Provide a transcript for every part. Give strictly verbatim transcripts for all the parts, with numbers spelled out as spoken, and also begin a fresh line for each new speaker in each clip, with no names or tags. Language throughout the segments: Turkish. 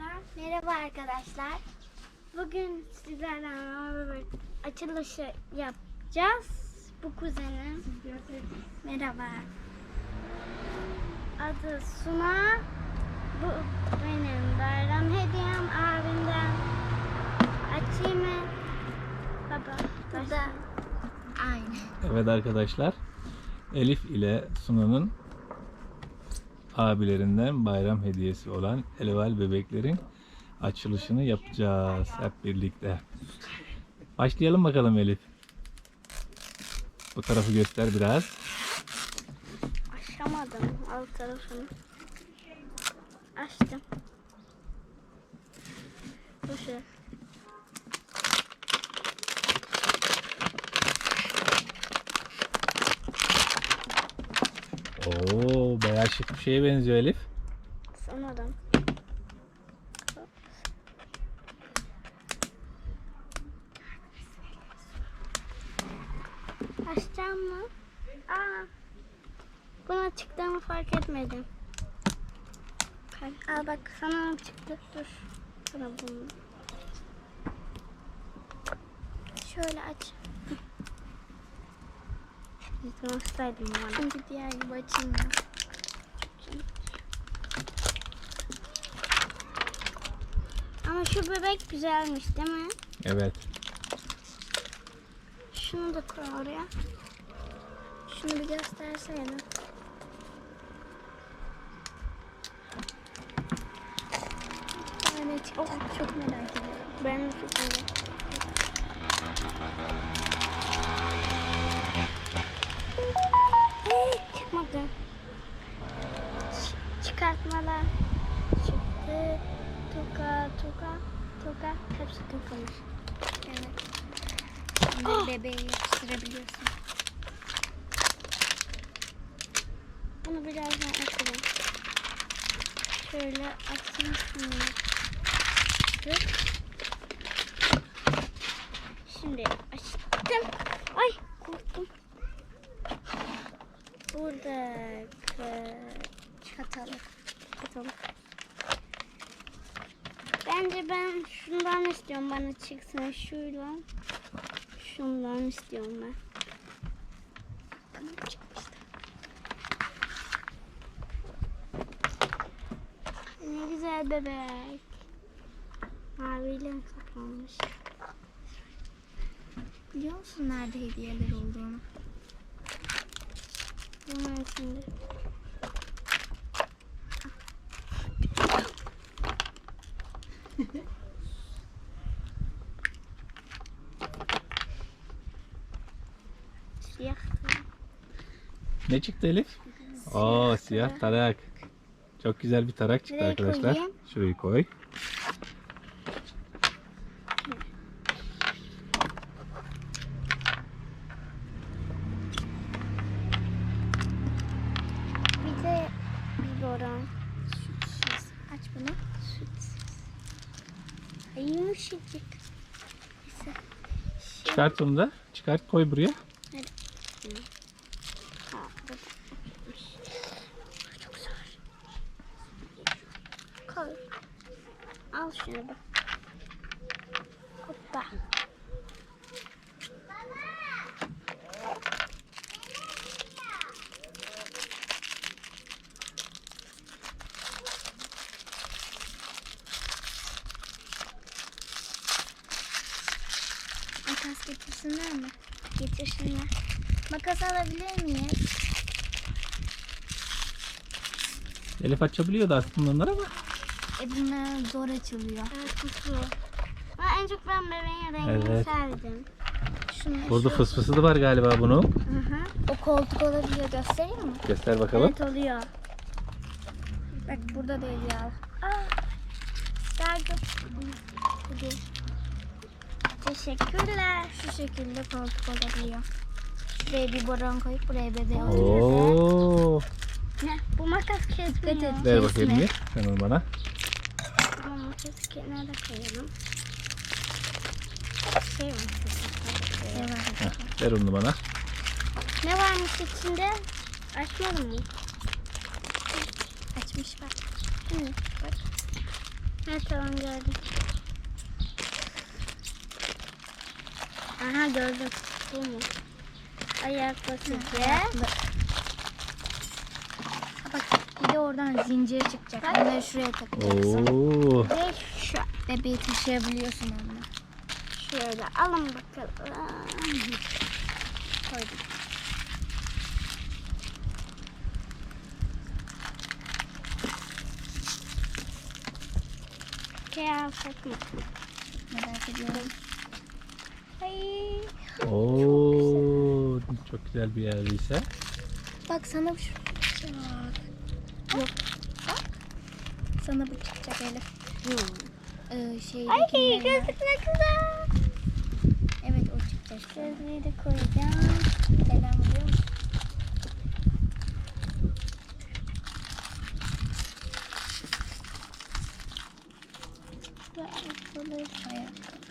arkadaşlar. Merhaba arkadaşlar. Bugün sizlerle beraber açılışı yapacağız. Bu kuzenim. Merhaba. Adı Suna. Bu benim bayram hediyem abimden. Açayım mı? Baba. Bu da aynı.
Evet arkadaşlar. Elif ile Suna'nın abilerinden bayram hediyesi olan Elval bebeklerin açılışını yapacağız hep birlikte. Başlayalım bakalım Elif. Bu tarafı göster biraz.
Açamadım alt tarafını. Açtım. Bu şu.
Oo, bayağı şık bir şeye benziyor Elif.
Sanırım. Açacağım mı? Aa, buna çıktığımı fark etmedim. Aa bak sana çıktı. Dur. Sana bunu. Şöyle aç. Yıkmışsaydım bana. Çünkü diğer gibi açılmıyor. Ama şu bebek güzelmiş değil mi?
Evet.
Şunu da koy oraya. Şunu bir gösterseydin. Evet, oh, çok merak ediyorum. Ben de çok merak ediyorum. Hey, çıkmadı. Ç- çıkartmalar çıktı. Toka, toka, toka. Hepsi tokamış. Evet. Şimdi
Oh.
bebeğe yapıştırabiliyorsun. Bunu birazdan açalım. Şöyle açayım şunu. Dur. Şimdi açtım. Ay korktum. Burada çatalı. Çatalı. Bence ben şundan istiyorum, bana çıksın şuyla. Şundan istiyorum ben. Bana çıkmıştı. Ne güzel bebek. Maviyle kaplanmış.
Biliyor musun nerede hediyeler olduğunu?
Bunun içinde. Siyah.
Ne çıktı Elif? Oo, siyah tarak. Çok güzel bir tarak çıktı
Nereye
arkadaşlar.
koyayım?
Şurayı koy.
Bir de biberon. Sütsüz. Aç bunu. Sütsüz. Ay, yumuşacık. Neyse.
Çıkart onu da. Çıkart koy buraya.
Ha, bu da. Çok zor. Koy. Al şunu bak. Hoppa.
Makas getirsinler mi?
Getirsinler.
Makas alabilir miyiz?
Elif açabiliyordu aslında onları ama.
E bunlar zor açılıyor.
Evet, kutu. Ama en çok ben bebeğin rengini
Evet.
sevdim. Şunu
Burada
şu-
fısfısı da var galiba bunun.
Hı hı.
O koltuk olabiliyor, göstereyim mi?
Göster bakalım.
Evet oluyor.
Bak burada da hediye al.
Aa, verdim. Hadi. Teşekkürler.
Şu şekilde koltuk olabiliyor. Şuraya bir boron koyup buraya bebeği al.
Oo.
Ne? Bu makas kesmiyor.
et.
Ver bakayım
Kesme.
bir. Sen onu bana.
Bu makası kenara koyalım. Şey var.
Ne var?
Heh, ver onu bana.
Ne varmış içinde? Açmadım mı?
Açmış bak.
Hı, bak. Ha tamam gördüm. Aha gördüm. Bu mu? Ayak basıcı.
Bak bir de oradan zincir çıkacak. Onları şuraya takacaksın.
Oo.
Ve şu.
Bebeği taşıyabiliyorsun onunla.
Şöyle alın bakalım. Koydum. Şey alsak mı?
Merak ediyorum.
Ay.
Oo. Çok güzel bir yerdeyse.
Bak sana bu şu çıkacak. Yok. Bak. Sana bu çıkacak Elif. Ee, şeydeki
Ay
yerine-
gözlük ne güzel.
Evet o çıkacak.
Gözlüğü de koyacağım.
Selam biliyor musun?
Ve ayakkabı.
Ayakkabı.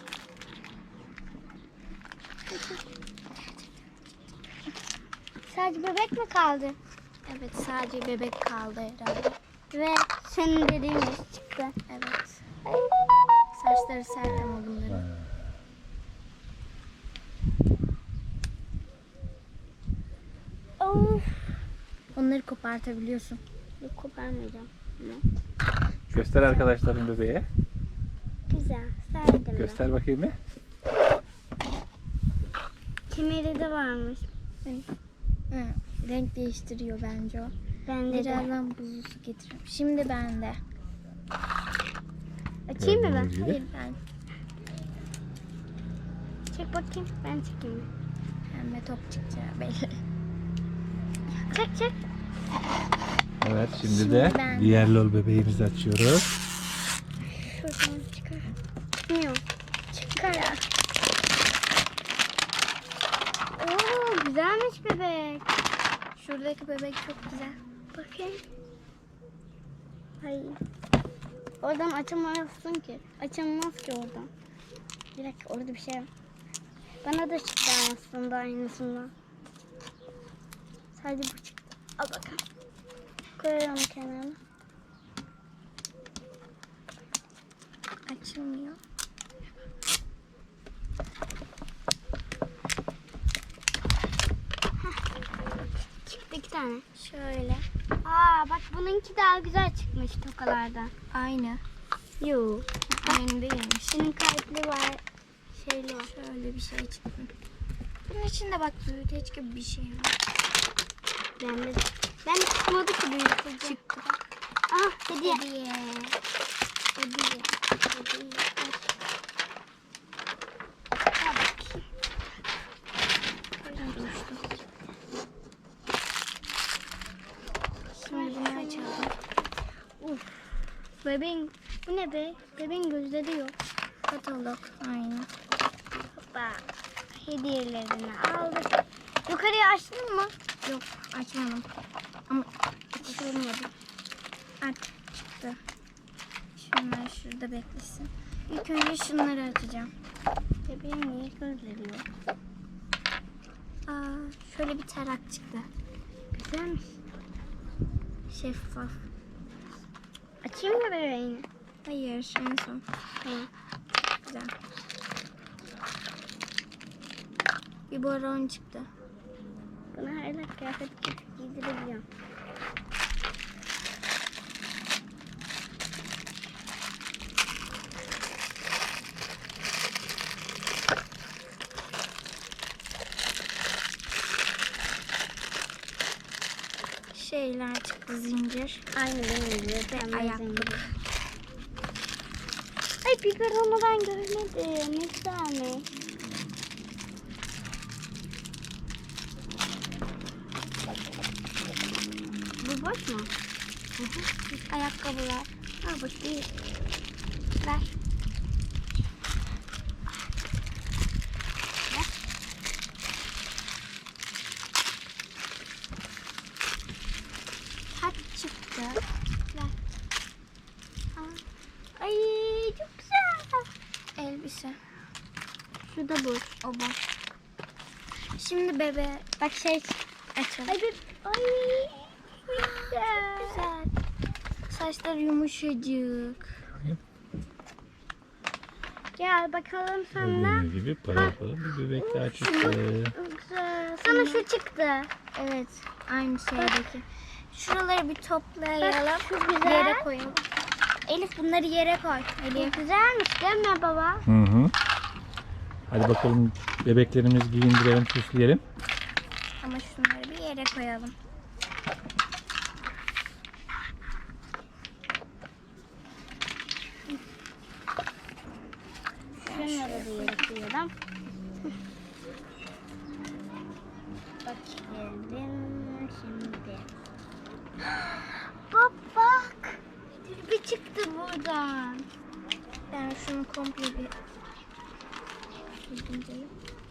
Sadece bebek mi kaldı?
Evet sadece bebek kaldı herhalde.
Ve senin dediğin gibi çıktı.
Evet. Saçları sert ama bunların.
Of.
Onları kopartabiliyorsun.
Yok koparmayacağım. Bunu.
Göster arkadaşların bebeğe.
Güzel. Serdim de.
Göster bakayım bir.
Kemeri de varmış.
Hı, renk değiştiriyor bence o.
Bende de.
Birazdan buzlu su getiririm. Şimdi bende.
Açayım mı ben?
Gördüğünüz gibi.
Hayır ben.
Çek bakayım. Ben çekeyim mi?
Pembe top çıkacağı belli.
Çek çek.
Evet şimdi,
Şimdi
de
ben-
diğer lol bebeğimizi açıyoruz.
Şuradan çıkar. Çıkmıyor. Çıkar. Oo güzelmiş bebek.
Şuradaki bebek çok güzel.
Bakayım. Ay. Oradan açamazsın ki. Açılmaz ki oradan. Bir dakika orada bir şey var. Bana da çıktı aslında aynısından. Sadece bu çıktı. Al bakalım. Koyuyorum kenara.
Açılmıyor.
Çıktı iki tane.
Şöyle.
Aa bak bununki daha güzel çıkmış tokalardan.
Aynı.
Yoo.
Aynı değilmiş.
Senin kalpli var. Şeyli var.
Şöyle bir şey çıktı. Bunun içinde bak büyüteç gibi bir şey var.
Ben de. Ben de çıkmadı ki büyütücü.
Çıktı.
Ah hediye.
Hediye.
Hediye. Hediye. Al bakayım.
Duruştu. Şimdi bunu açalım.
Uf. Bebeğin. Bu ne be? Bebeğin gözleri yok.
Katalog. Aynı.
Hoppa. Hediyelerini aldık. Yukarıya açtın mı?
Yok açmadım. Ama
Açılmadı.
aç çıktı. Şunlar şurada beklesin. İlk önce şunları açacağım.
Bebeğin niye gözleri yok?
Aa, şöyle bir tarak çıktı.
Güzelmiş.
Şeffaf.
Açayım mı bebeğini?
Hayır en son.
Tamam.
Güzel. Bir boron çıktı.
Buna hala kıyafet giydirebiliyorum.
Şeyler çıktı zincir.
Aynı benim gibi. Pembe
ayakkabı.
zincir. Ay biberonu ben görmedim. Ne güzelmiş. Bu boş mu?
Hı hı. Ayakkabılar.
Ha boş değil. Ver.
Taç çıktı.
Ver. Aa. Ay çok güzel.
Elbise.
Şu da boş.
O boş. Şimdi bebe
Bak şey.
açalım.
Ay bir. Ay. Güzel.
Güzel. saçları yumuşacık.
Gel bakalım sana.
Gördüğünüz gibi pırıl pırıl bir bebek daha çıktı.
Güzel. Sana şu çıktı.
Evet, aynı şeydeki. Şuraları bir toplayalım.
Bak, şu güzel.
Yere koyalım. Elif bunları yere koy. Elif.
Güzelmiş değil mi baba?
Hı hı. Hadi bakalım bebeklerimizi giyindirelim, süsleyelim.
Ama şunları bir yere koyalım.
Şunları da yere koyalım. Bakalım şimdi. Bak bak. Bir çıktı buradan.
Ben şunu komple bir düzgünce-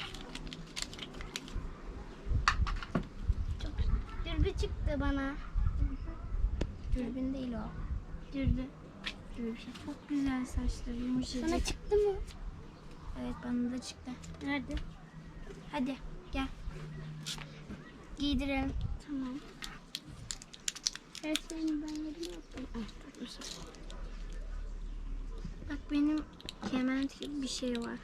Dürbü çıktı bana.
Dürbün değil o.
Dürbü.
Dürbün. Çok güzel saçları yumuşacık.
Sana çıktı mı?
Evet, bana da çıktı.
Nerede?
Hadi gel. Giydirelim.
Tamam. Her şeyini ben yerine yaptım. Ah, tutmuşum.
Bak benim kement gibi bir şey var.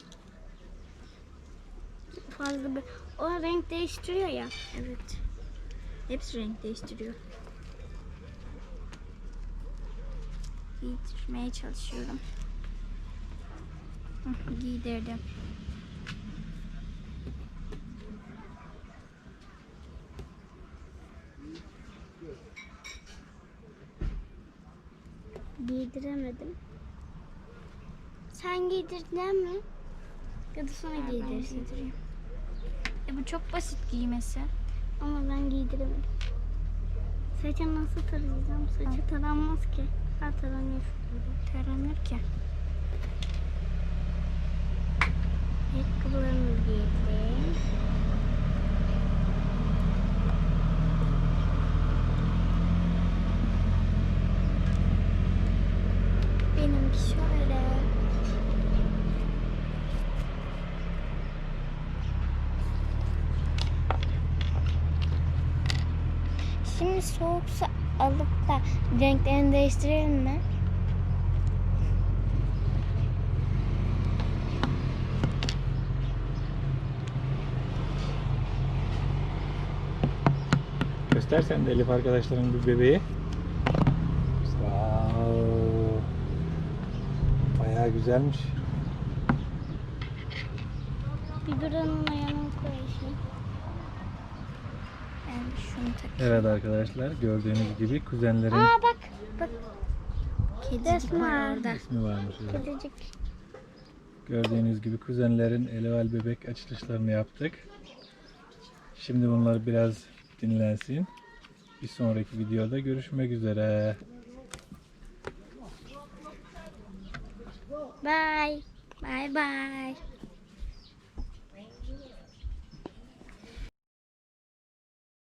Fazla bir... O renk değiştiriyor ya.
Evet. Hepsi renk değiştiriyor. Giydirmeye çalışıyorum. Hı, giydirdim.
Giydiremedim. Sen giydirdin mi? Ya da sana
Ben
giydirsin.
giydireyim. E bu çok basit giymesi.
Ama ben giydiremedim. Saça nasıl tarayacağım? Saçı taranmaz ki. Ha taranıyor.
Taranır ki.
Ayakkabılarımı giydim.
Benimki şöyle. Şimdi soğuk su alıp da renklerini değiştirelim mi?
Göstersen de Elif arkadaşların bir bebeği. Wow. Bayağı güzelmiş.
Bir buranın ayağını koyayım.
Ben şunu takayım.
Evet arkadaşlar, gördüğünüz gibi kuzenlerin
Aa bak. Bak.
Kedicik
Resmen.
var orada.
ismi varmış. Evet.
Kedicik.
Gördüğünüz gibi kuzenlerin eleval bebek açılışlarını yaptık. Şimdi bunlar biraz dinlensin. Bir sonraki videoda görüşmek üzere.
Bye.
Bye bye.